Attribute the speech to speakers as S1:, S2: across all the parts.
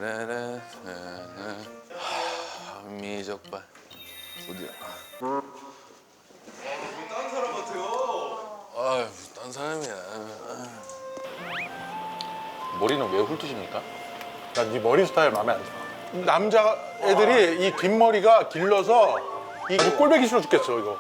S1: 미적발 어디야?
S2: 딴 사람 같아요.
S1: 아유, 딴 사람이야.
S3: 머리는 왜 훑으십니까? 난 네 머리 스타일 마음에 안 들어. 남자 애들이 이 긴 머리가 길러서 이 꼴배기 싫어 죽겠어 이거.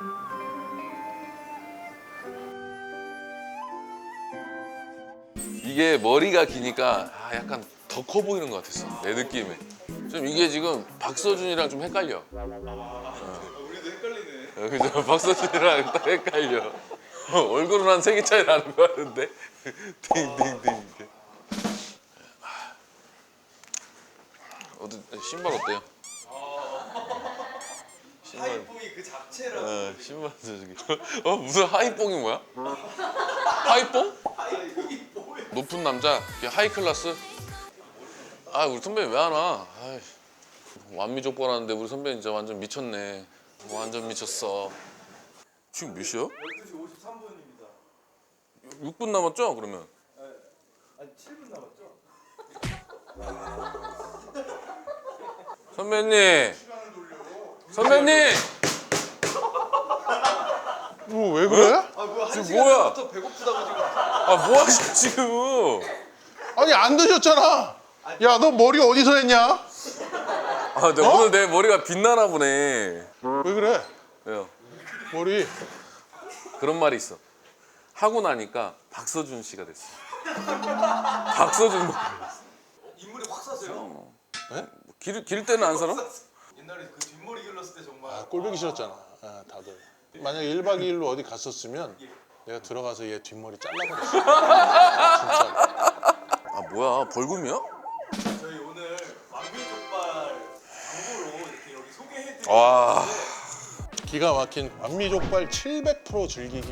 S1: 이게 머리가 기니까 약간 더 커 보이는 것 같았어. 내 느낌에. 좀 이게 지금 박서준이랑 좀 헷갈려.
S2: 우리도 헷갈리네.
S1: 그죠? 박서준이랑 딱 헷갈려. 얼굴은 한 3개 차이 나는 거 같은데. 띵띵띵. 신발 어때요? 신발.
S2: 하이뽕이 그 자체라고.
S1: 신발 저기. 무슨 하이뽕이 뭐야? 하이뽕?
S2: 하이뽕.
S1: 높은 남자, 하이 클래스. 아, 우리 선배님 왜 안 와? 아이, 완미족발하는데 우리 선배님 진짜 완전 미쳤네. 완전 미쳤어. 지금 몇 시야?
S2: 12시 53분입니다.
S1: 6분 남았죠? 그러면.
S2: 아니 7분 남았죠?
S1: 선배님. 선배님.
S3: 뭐 왜 그래?
S2: 아 뭐야 한
S1: 지금 뭐야?
S2: 시간부터 배고프다고 지금.
S1: 아, 뭐 하시지 지금?
S3: 아니 안 드셨잖아. 야 너 머리 어디서 했냐?
S1: 아, 근데 오늘 내 머리가 빛나나 보네.
S3: 왜 그래?
S1: 왜요?
S3: 머리.
S1: 그런 말이 있어. 하고 나니까 박서준 씨가 됐어. 박서준.
S2: 인물이 확 사세요.
S1: 길 때는 안 살아?
S2: 옛날에 그 뒷머리 길렀을 때 정말.
S3: 아, 꼴보기 싫었잖아. 아, 다들. 만약에 1박 2일로 어디 갔었으면 내가 들어가서 얘 뒷머리 잘라버렸어. 진짜.
S1: 아, 뭐야? 벌금이야?
S2: 저희 오늘 완미족발 광고로 이렇게 여기 소개해드리는
S1: 와.
S3: 기가 막힌 완미족발 700% 즐기기.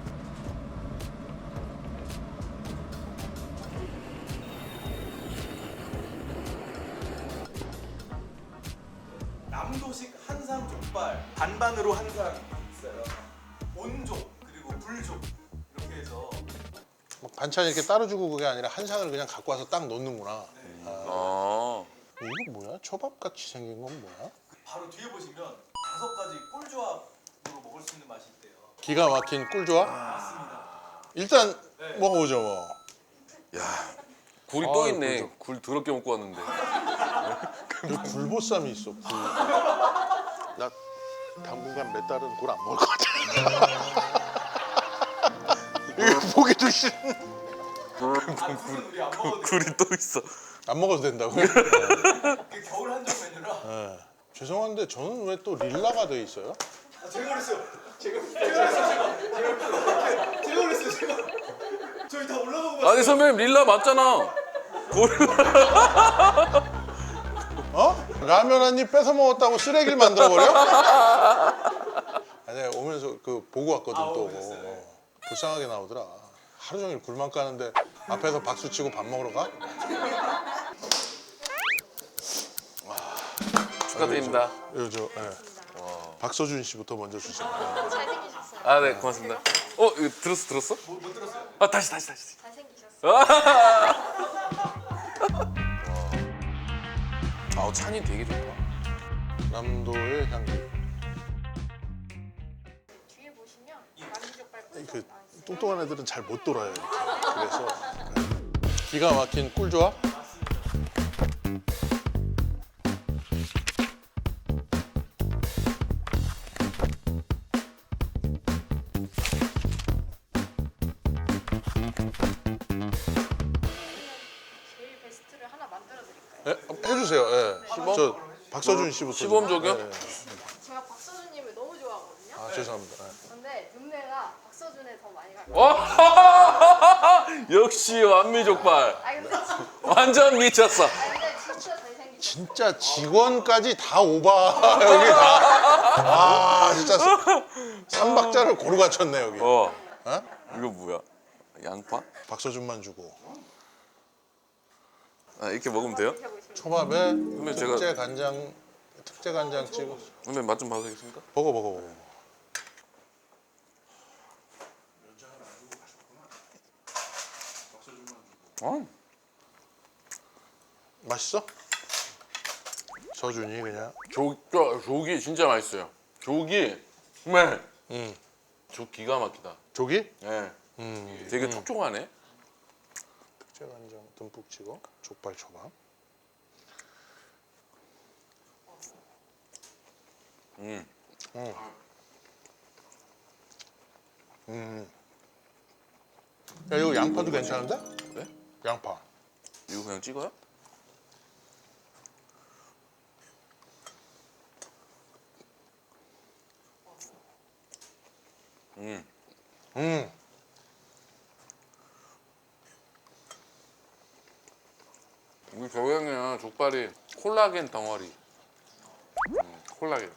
S2: 남도식 한상 족발 반반으로 한상 있어요. 온족 그리고 불족 이렇게 해서
S3: 막 반찬 이렇게 따로 주고 그게 아니라 한 상을 그냥 갖고 와서 딱 넣는구나.
S1: 어.
S3: 이거 뭐야? 초밥 같이 생긴 건 뭐야?
S2: 바로 뒤에 보시면 5가지 꿀조합으로 먹을 수 있는 맛이 있대요.
S3: 기가 막힌 꿀조합?
S2: 맞습니다.
S3: 일단 먹어보죠 뭐.
S1: 야, 굴이 또
S3: 아,
S1: 있네.
S3: 굴죠.
S1: 굴 더럽게 먹고 왔는데.
S3: 여기 굴보쌈이 있어. 굴. 나 당분간 몇 달은 굴 안 먹을 것 같아. 이거 보기도 싫.
S2: 아, 굴은 우리 안 먹어도 돼요.
S1: 굴이 또 있어.
S3: 안 먹어도 된다고요?
S2: 그게 겨울 한정 메뉴라.
S3: 네. 죄송한데 저는 왜 또 릴라가 돼 있어요?
S2: 아, 제가 그랬어요. 제가 그랬어요. 제가. 저희 다 올라가고 봤어요.
S1: 아니, 선배님 릴라 맞잖아.
S3: 어? 라면 한 입 뺏어 먹었다고 쓰레기를 만들어 버려? 아니 오면서 그 보고 왔거든 또.
S2: 오셨어요?
S3: 불쌍하게 나오더라. 하루 종일 굴만 까는데 앞에서 박수 치고 밥 먹으러 가?
S1: 축하드립니다.
S3: 이거 저 박서준 씨부터 먼저 주세요.
S4: 잘생기셨어요.
S1: 아, 네, 고맙습니다. 이거 들었어?
S2: 못 들었어요.
S1: 아, 다시.
S4: 잘생기셨어요.
S1: 아, 찬이 되게 좋다.
S3: 남도의 향기.
S4: 뒤에 보시면 만미족발 꿀
S3: 그
S4: 나와 있어요.
S3: 뚱뚱한 애들은 잘 못 돌아요 이렇게. 그래서 기가 막힌 꿀조합.
S4: 제일 베스트를 하나 만들어 드릴까요?
S3: 예, 해주세요. 예.
S1: 시범?
S3: 저 박서준 씨부터.
S1: 시범
S3: 좀.
S1: 저기요?
S3: 예, 예.
S4: 제가 박서준님을 너무 좋아하거든요.
S3: 아 죄송합니다. 예.
S4: 근데 눈매가 박서준에 더 많이 가요.
S1: 역시 완미족발.
S4: 아 근데
S1: 완전 미쳤어.
S4: 진짜 잘생기셨어요.
S3: 진짜 직원까지 다 오바 여기 다. 아 진짜 삼박자를 고루 갖췄네 여기.
S1: 어.
S3: 어?
S1: 이거 뭐야? 양파?
S3: 박서준만 주고
S1: 아, 이렇게 먹으면 돼요?
S4: 드셔보시면
S3: 초밥에
S1: 그러면 제가-
S3: 특제 간장 찍어.
S1: 선배님 맛 좀 봐도 되겠습니까?
S3: 먹어.
S1: 어.
S3: 맛있어? 서준이 그냥.
S1: 조기 진짜 맛있어요. 조기 정말
S3: 음.
S1: 조 기가 막히다.
S3: 조기?
S1: 예. 되게 촉촉하네.
S3: 특제 간장 듬뿍 찍어. 족발 초밥.
S1: 음.
S3: 야, 이거 양파도 괜찮은데?
S1: 네?
S3: 양파.
S1: 이거 그냥 찍어요?
S3: 음.
S1: 우리 저형이는 족발이 콜라겐 덩어리. 콜라겐.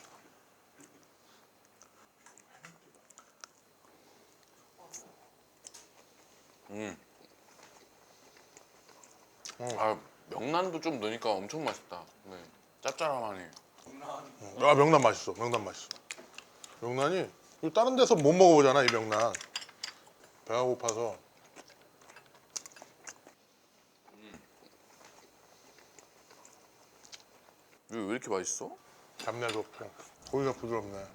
S1: 아 명란도 좀 넣으니까 엄청 맛있다. 네. 짭짤하니.
S3: 아, 명란 맛있어. 명란 맛있어. 명란이 이거 다른 데서 못 먹어보잖아, 이 명란. 배가 고파서.
S1: 이거 왜 이렇게 맛있어?
S3: 잡내도 없고 고기가 부드럽네.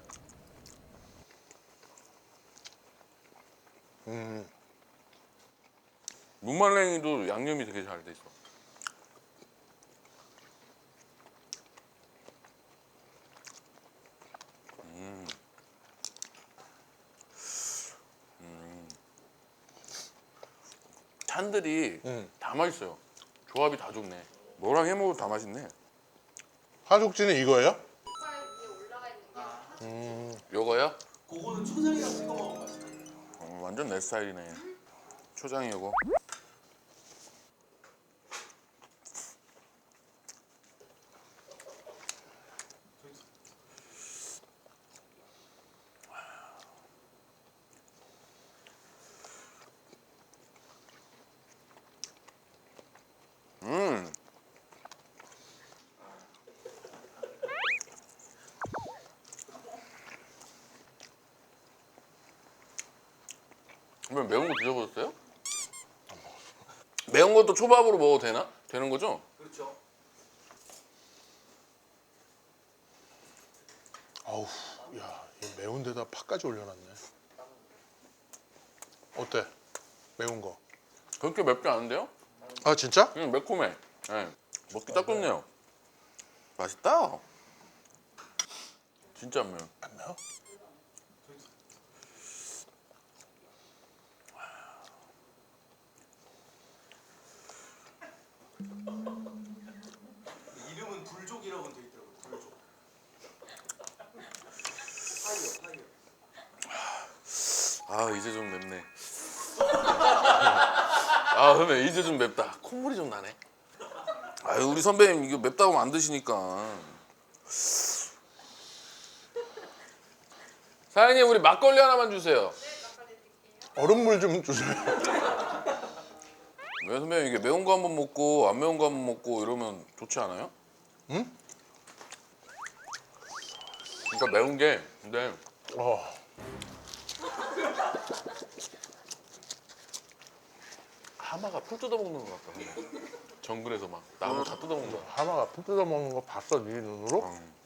S1: 무말랭이도 양념이 되게 잘 돼 있어. 찬들이 다 맛있어요. 조합이 다 좋네. 뭐랑 해 먹어도 다 맛있네.
S3: 하숙지는 이거예요?
S4: 족발 위에 올라가 있는 게
S1: 요거요?
S2: 그거는 초장이랑 찍어 먹으면 맛있어요.
S1: 완전 내 스타일이네. 초장이 요거. 그러면 매운 거 드셔보셨어요? 매운 것도 초밥으로 먹어도 되나? 되는 거죠?
S2: 그렇죠.
S3: 아우, 야, 이 매운 데다 파까지 올려놨네. 어때? 매운 거.
S1: 그렇게 맵지 않은데요?
S3: 아, 진짜?
S1: 그냥 매콤해. 네. 먹기 딱 좋네요. 맛있다. 진짜 안 매워.
S3: 안 매워?
S2: 이름은 불족이라고 돼 있더라고요. 불족. 파이어, 파이어.
S1: 아 이제 좀 맵네. 아 선배 이제 좀 맵다. 콧물이 좀 나네. 아유 우리 선배님 이거 맵다고 하면 안 드시니까. 사장님 우리 막걸리 하나만 주세요.
S3: 얼음물 좀 주세요.
S1: 왜 선배님 이게 매운 거 한번 먹고 안 매운 거 한번 먹고 이러면 좋지 않아요?
S3: 응?
S1: 그러니까 매운 게 근데
S3: 어.
S1: 하마가 풀 뜯어먹는 것 같다. 선배. 정글에서 막 나무 다 뜯어먹는 거.
S3: 하마가 풀 뜯어 먹는 거 봤어, 네 눈으로?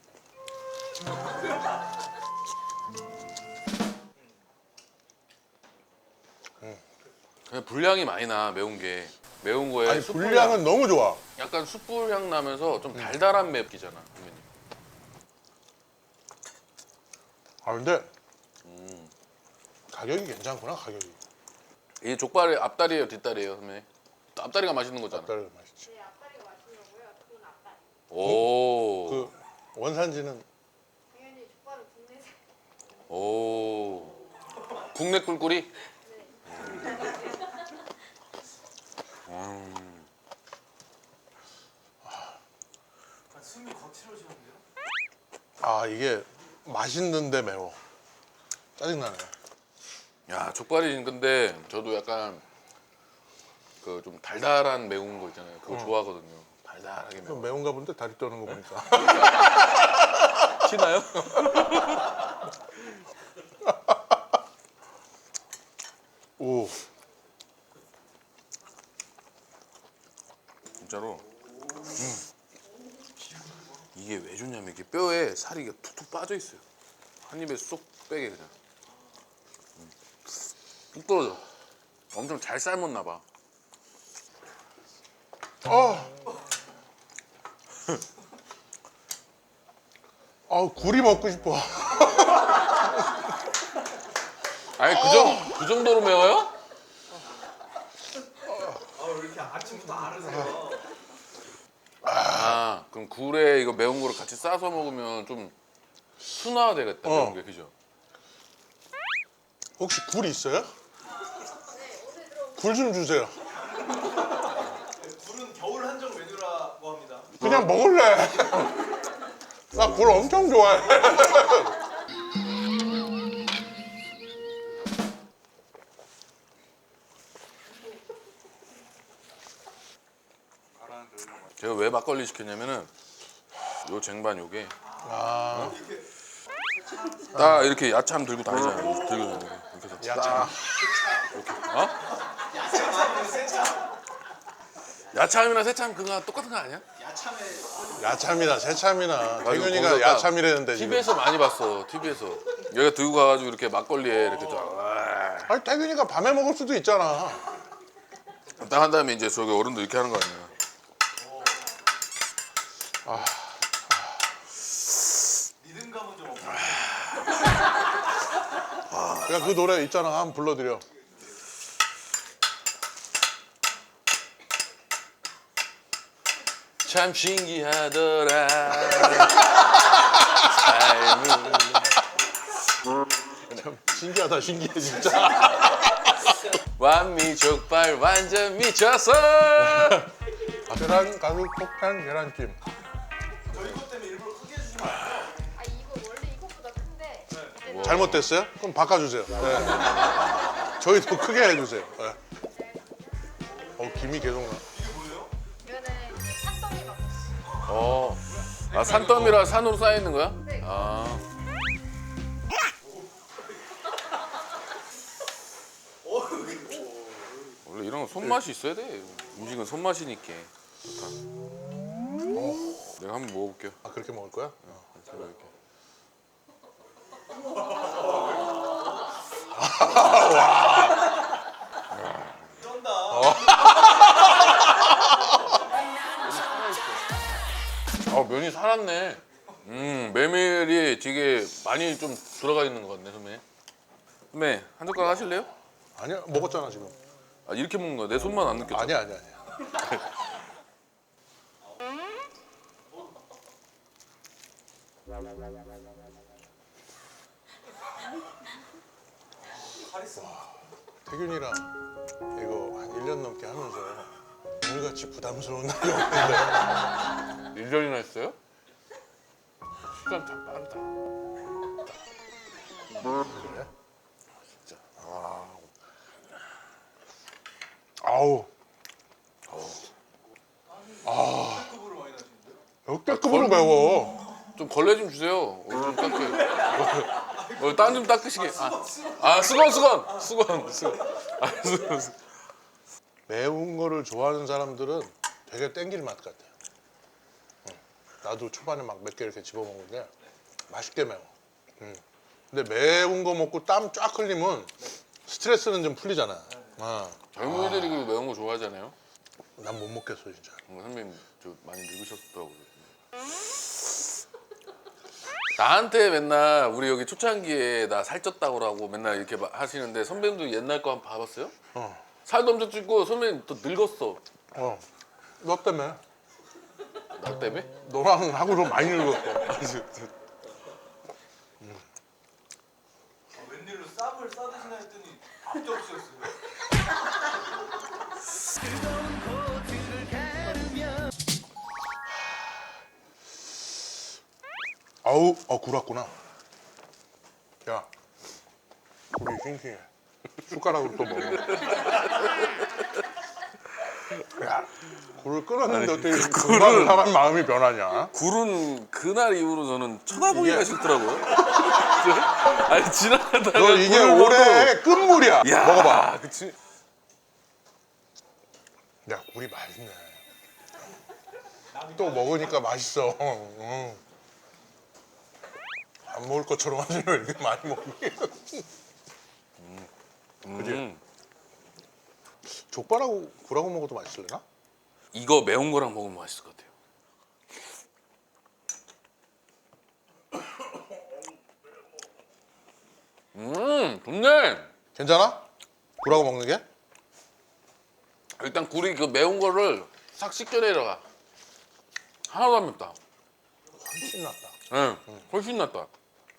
S1: 그냥 분량이 많이 나 매운 게. 매운 거에
S3: 아니,
S1: 숯불향.
S3: 분량은 너무 좋아.
S1: 약간 숯불 향 나면서 좀 달달한 맵기잖아. 선배님.
S3: 아, 근데 가격이 괜찮구나, 가격이.
S1: 이 족발의 앞다리예요, 뒷다리예요, 선배님? 앞다리가 맛있는 거잖아.
S3: 딸 맛있지.
S4: 제 앞다리가 맛있냐고요? 그건 앞다리.
S1: 오.
S3: 그 원산지는
S4: 당연히 족발은 국내산.
S1: 오. 국내 꿀꿀이?
S2: 아, 숨이 거칠어지는데요?
S3: 아, 이게 맛있는데 매워. 짜증나네.
S1: 야, 족발이 근데 저도 약간 그 좀 달달한 매운 거 있잖아요. 그거 좋아하거든요. 달달하게
S3: 좀
S1: 매운.
S3: 매운가 본데 다리 떠는 거 보니까.
S1: 치나요?
S3: 오,
S1: 진짜로. 이게 왜 좋냐면 이게 뼈에 살이 툭툭 빠져 있어요. 한 입에 쏙 빼게 그냥. 뚝 떨어져. 엄청 잘 삶았나 봐.
S3: 굴이 먹고 싶어.
S1: 아니 그 정도로 매워요?
S2: 왜 이렇게 아침부터 아르세요?
S1: 아 그럼 굴에 이거 매운 거를 같이 싸서 먹으면 좀 순화가 되겠다. 매운 게 그죠?
S3: 혹시 굴 있어요? 굴 좀 주세요.
S2: 굴은 겨울 한정 메뉴라고 합니다.
S3: 그냥 먹을래. 나 굴 엄청 좋아해.
S1: 제가 왜 막걸리 시켰냐면은 요 쟁반 요게 딱 이렇게 야참 들고 다니잖아요. 들고 다니고 이렇게 해서
S3: 야참.
S1: 야참이나 새참 그거 똑같은 거 아니야?
S3: 야참이나 새참이나
S1: 거기서
S3: 태균이가
S1: 딱
S3: 야참이라는데 지금.
S1: TV에서 많이 봤어. TV에서 여기가 들고 가가지고 이렇게 막걸리에 이렇게 딱
S3: 아니 태균이가 밤에 먹을 수도 있잖아.
S1: 한 다음에 이제 저기 어른도 이렇게 하는 거 아니야?
S2: 리듬감은 좀 없어요.
S3: 야 그 노래 있잖아. 한번 불러드려.
S1: 참 신기하더라. 삶은
S3: 신기하다 신기해 진짜.
S1: 완미 족발 완전 미쳤어.
S3: 계란 가루 폭탄 계란찜.
S2: 저 이것 때문에 일부러 크게 해주시면 안 돼요.
S4: 아 이거 원래 이것보다 큰데 이제는
S3: 잘못됐어요? 그럼 바꿔주세요. 네. 저희도 크게 해주세요. 네. 김이 계속 나.
S4: 이거는 산더미 맛.
S1: 아 산더미라 산으로 쌓여 있는 거야?
S4: 네.
S1: 아 원래 이런 건 손맛이 있어야 돼. 음식은 손맛이니까. 좋다. 내가 한번 먹어볼게요.
S3: 아 그렇게 먹을 거야?
S1: 제가 이렇게.
S2: 쩐다.
S1: 면이 살았네. 메밀이 되게 많이 좀 들어가 있는 것 같네, 선배. 선배 한 젓가락 하실래요?
S3: 아니야 먹었잖아 지금.
S1: 아 이렇게 먹는 거야? 내 손만 안 느꼈죠?
S3: 아니야. 태균이랑 이거 한 1년 넘게 하면서 오늘같이 부담스러운 날이 없는데
S1: 1년이나 했어요? 시간 참 빠르다.
S3: 그래? 진짜 아우
S2: 급으로 많이 나시는데요?
S3: 역대급으로 매워.
S1: 좀 걸레 좀 주세요. 좀 닦게. 땀 좀 닦으시게. 수건. 수건.
S3: 매운 거를 좋아하는 사람들은 되게 땡길 맛 같아. 나도 초반에 막 몇 개 이렇게 집어먹는데 맛있게 매워. 근데 매운 거 먹고 땀 쫙 흘리면 스트레스는 좀 풀리잖아.
S1: 젊은이들이 그 매운 거 좋아하잖아요.
S3: 난 못 먹겠어 진짜.
S1: 선배님 저 많이 늙으셨더라고요. 나한테 맨날 우리 여기 초창기에 나 살쪘다고 하고 맨날 이렇게 하시는데 선배님도 옛날 거 한번 봐봤어요? 살도 엄청 찌고 선배님 더 늙었어.
S3: 너 때문에.
S1: 나 때문에?
S3: 너랑 하고도 많이 늙었어.
S2: 웬일로 쌈을 싸드시나 했더니 밥도 없으셨어요.
S3: 아우, 굴 왔구나. 야, 굴이 싱싱해. 숟가락으로 또 먹어. 야, 굴을 끓였는데 어떻게 금방 사람 마음이 변하냐?
S1: 굴은 그날 이후로 저는 쳐다보기가 싫더라고요. 아니 지나가다가
S3: 너 이게
S1: 굴을
S3: 올해 끝물이야.
S1: 먹어도- 야,
S3: 먹어봐.
S1: 그치.
S3: 야, 굴이 맛있네. 또 먹으니까 맛있어. 안 먹을 것처럼 하지 왜 이렇게 많이 먹니? 그지? 족발하고 굴하고 먹어도 맛있을래나?
S1: 이거 매운 거랑 먹으면 맛있을 것 같아요. 좋네.
S3: 괜찮아? 굴하고 먹는 게?
S1: 일단 굴이 그 매운 거를 싹 씻겨 내려가. 하나도 안 맵다.
S3: 훨씬 낫다.
S1: 응, 훨씬 낫다.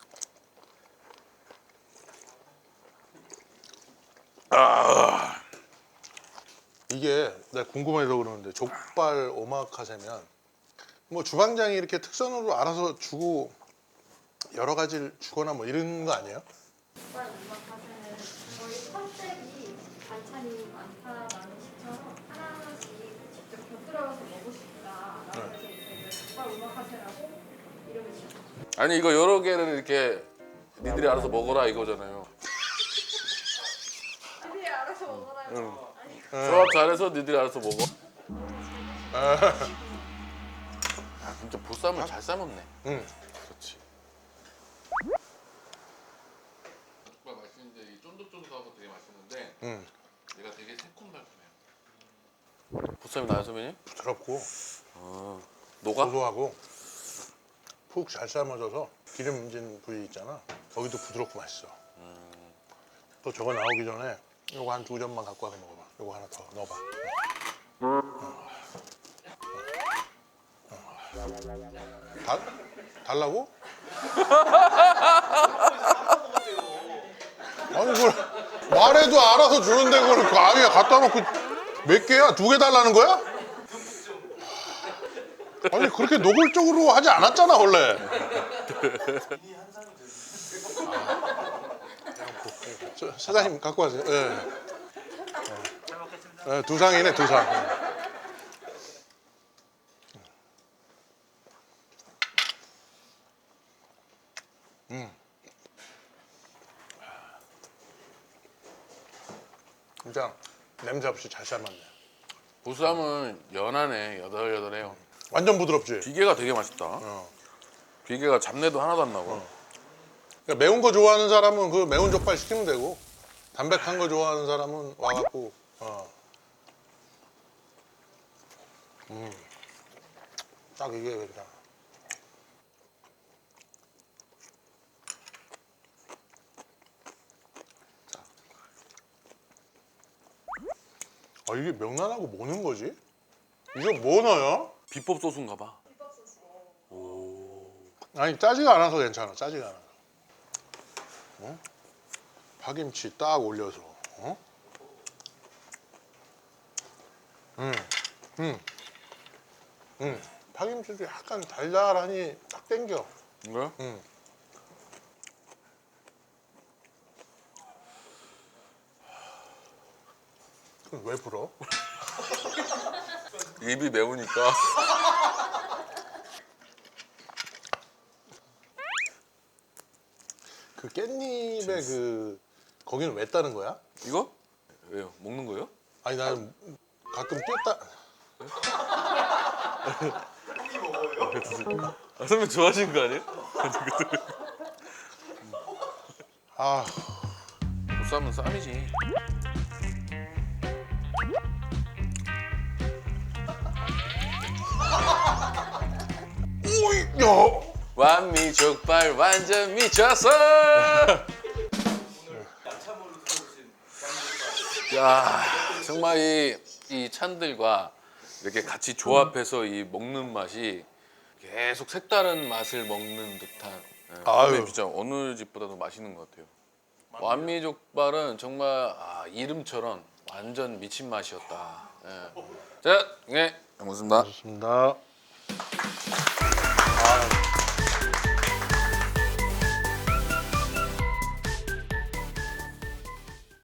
S3: 이게 내가 궁금해서 그러는데 족발 오마카세면 뭐 주방장이 이렇게 특선으로 알아서 주고 여러 가지를 주거나 뭐 이런 거 아니에요?
S4: 족발 오마카세는 저희 컨셉이 반찬이 많다라는 식처럼 하나하나씩 직접 곁들여서 먹고 싶다라고 해서 이제 족발 오마카세라고 이름을 지었어요.
S1: 아니 이거 여러 개를 이렇게 니들이 알아서 먹어라 이거잖아요.
S4: 니들이 알아서 먹어라요. 아니,
S1: 조합 잘해서 니들이 알아서 먹어. 아 진짜 보쌈을 잘 삶았네.
S3: 응.
S1: 그렇지. 족발 맛있는데 이 쫀득쫀득하고 되게 맛있는데
S3: 응.
S1: 얘가 되게 새콤달콤해요. 보쌈이 나요 선배님?
S3: 부드럽고
S1: 녹아?
S3: 고소하고 푹 잘 삶아져서 기름진 부위 있잖아. 거기도 부드럽고 맛있어. 또 저거 나오기 전에 요거 한 2점만 갖고 와서 먹어봐. 요거 하나 더 넣어봐. 달라고? 아니 그걸 말해도 알아서 주는데 그걸 그 아위에 갖다 놓고 몇 개야? 2개 달라는 거야? 아니 그렇게 노골적으로 하지 않았잖아 원래. 사장님 갖고 가세요. 예. 예, 2상이네 2상. 진짜 냄새 없이 잘 삶았네.
S1: 보쌈은 연하네. 여덜여덜해요.
S3: 완전 부드럽지.
S1: 비계가 되게 맛있다. 비계가 잡내도 하나도 안 나고.
S3: 그러니까 매운 거 좋아하는 사람은 그 매운 족발 시키면 되고 담백한 거 좋아하는 사람은 와갖고 딱 이게 괜찮아. 아 이게 명란하고 뭐 넣은 거지? 이거 뭐 넣어요?
S1: 비법 소스인가 봐.
S3: 아니 짜지가 않아서 괜찮아. 짜지가 않아서. 어? 파김치 딱 올려서. 어? 파김치도 약간 달달하니 딱 땡겨.
S1: 이거요?
S3: 그럼 왜 불어?
S1: 입이 매우니까.
S3: 그 깻잎에 그 거기는 왜 따는 거야?
S1: 이거? 왜요? 먹는 거예요?
S3: 아니 나는 가끔 뗐다.
S1: 아, 선배 좋아하시는 거 아니에요?
S3: 아
S1: 보쌈은 쌈이지.
S3: 오이 야.
S1: 완미 족발 완전 미쳤어.
S2: 야참으로 들어오신
S1: 야 정말 이 찬들과 이렇게 같이 조합해서 이 먹는 맛이 계속 색다른 맛을 먹는 듯한.
S3: 아유.
S1: 근데 진짜 어느 집보다도 맛있는 것 같아요. 완미 족발은 정말 이름처럼 완전 미친 맛이었다. 예. 자, 네, 고맙습니다.
S3: 좋습니다.